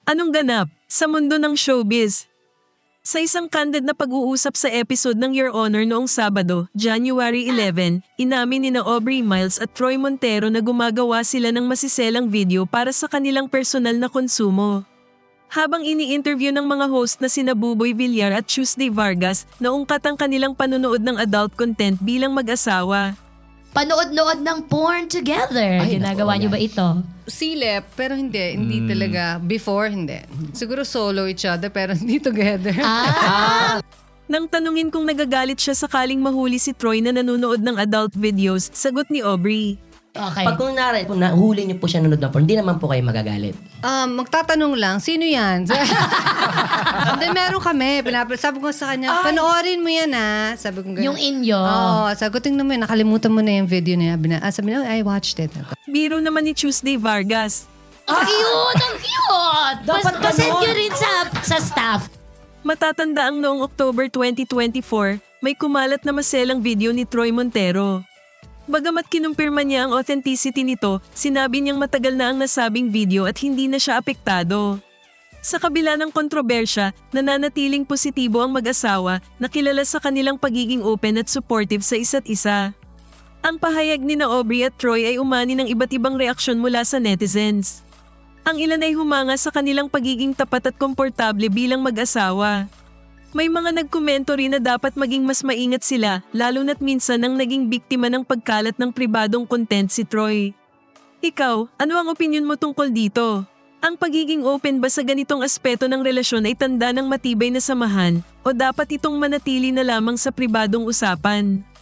Anong ganap sa mundo ng showbiz? Sa isang candid na pag-uusap sa episode ng Your Honor noong Sabado, January 11, inamin nina Aubrey Miles at Troy Montero na gumagawa sila ng masiselang video para sa kanilang personal na konsumo. Habang ini-interview ng mga host na sina Buboy Villar at Tuesday Vargas, naungkat ang kanilang panonood ng adult content bilang mag-asawa. Panood-nood ng porn together. Ay, Ginagawa naku, niyo ba ito? Silip, pero hindi talaga. Before, hindi. Siguro solo each other, pero hindi together. Nang tanungin kung nagagalit siya sakaling mahuli si Troy na nanonood ng adult videos, sagot ni Aubrey. Okay. Pag kung nahuli niyo po siya nanonood ng porn, hindi naman po kayo magagalit. Magtatanong lang, sino yan? Hindi, meron kami. Sabi ko sa kanya, panoorin mo yan Sabi ko Yung inyo. Oo, sagutin naman, nakalimutan mo na yung video na yan. Sabi niya, I watched it. Biro naman ni Tuesday Vargas. Cute! Ang cute! Dapat Pasend ganon. nyo rin sa staff. Matatanda ang noong October 2024, may kumalat na maselang video ni Troy Montero. Bagamat kinumpirma niya ang authenticity nito, sinabi niyang matagal na ang nasabing video at hindi na siya apektado. Sa kabila ng kontrobersya, nananatiling positibo ang mag-asawa na kilala sa kanilang pagiging open at supportive sa isa't isa. Ang pahayag ni na Aubrey at Troy ay umani ng iba't ibang reaksyon mula sa netizens. Ang ilan ay humanga sa kanilang pagiging tapat at komportable bilang mag-asawa. May mga nagkomento rin na dapat maging mas maingat sila, lalo na't minsan nang naging biktima ng pagkalat ng pribadong content si Troy. Ikaw, ano ang opinyon mo tungkol dito? Ang pagiging open ba sa ganitong aspeto ng relasyon ay tanda ng matibay na samahan o dapat itong manatili na lamang sa pribadong usapan?